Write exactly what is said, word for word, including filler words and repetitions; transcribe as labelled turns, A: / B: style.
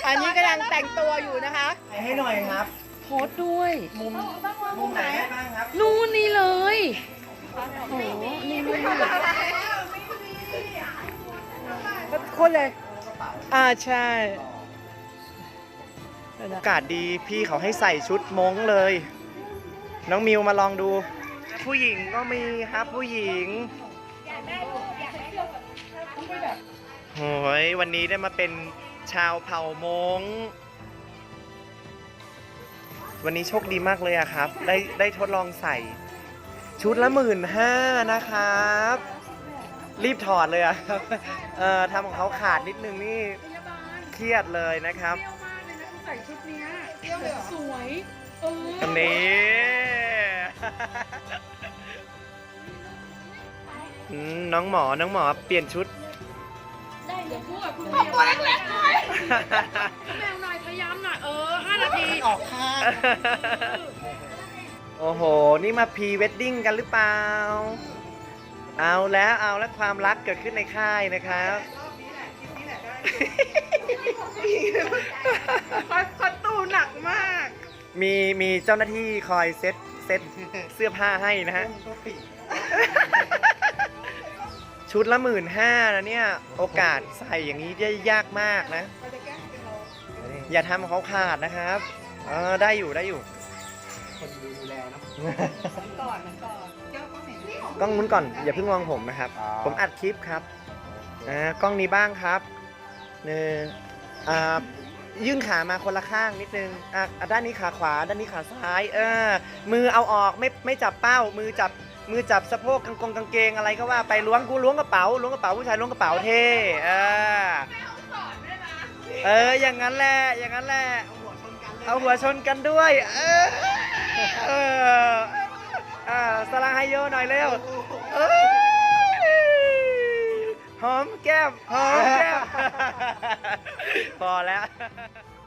A: อันนี้กำลังแต่งตัวอยู่นะคะ
B: ให้หน่อยครับ
C: โพสต์ด้วย
B: มุมมุมไหนได้บ้างครับ
C: นู่นนี่เลยโอ้โหนี่นี่นี่
A: คนเลย อ่าใช่
B: อากาศดีพี่เขาให้ใส่ชุดม้งเลย น้องมิวมาลองดู ผู้หญิงก็มีครับผู้หญิงโอ้ยวันนี้ได้มาเป็นชาวเผ่ามงวันนี้โชคดีมากเลยอะครับ ได้ได้ทดลองใส่ชุดละหมื่นห้านะครับ รีบถอดเลยอะครับเอ่อทำของเขาขาดนิดนึงนี่เครียดเลยนะครับ
C: เปรี้ยวมากเลยนะใส่ชุดเนี้ยเปรี้ยวเลยสวยเออ
B: อันนี้ อืมน้องหมอ น้องหมอเปลี่ยนชุด
C: ได้เดี๋ยวพูดกับคุณแมวตัวเล็กๆหน่อยคุณแมวหน่อยพยายามหน่อยเออห้านาที
B: ออกข้างโอ้โห นี่มาพรีเวดดิ้งกันหรือเปล่า เอาแล้วเอาแล้วความรักเกิดขึ้นในค่ายนะครับ
A: คอตูหนักมาก
B: มีมีเจ้าหน้าที่คอยเซ็ตเซ็ตเสื้อผ้าให้นะฮะ ชุดละหมื่นห้านะเนี่ย โอกาสใส่อย่างนี้ได้ยากมากนะ อย่าทำเขาขาดนะครับเออได้อยู่ได้อยู่ คนดูแลนะก่อนก่อนกล้องนู้นก่อน อย่าเพิ่งมองผมนะครับ ผมอัดคลิปครับอ่ากล้องนี้บ้างครับเนี่ยอ่ายื่นขามาคนละข้างนิดนึงอ่ะอ่ะด้านนี้ขาขวาด้านนี้ขาซ้ายเออมือเอาออกไม่ไม่จับเป้า มือจับมือจับสะโพกกางกงกางเกงอะไรก็ว่าไปล้วงกูล้วงกระเป๋าล้วงกระเป๋าผู้ชายล้วงกระเป๋าเท่เออเอออย่างนั้นแหละอย่างนั้นแหละเอาหัวชนกันด้วยเออเอออ่าสลาไฮโยหน่อยเร็วเอ้ยหอมแก้มหอมแก้มพอแล้ว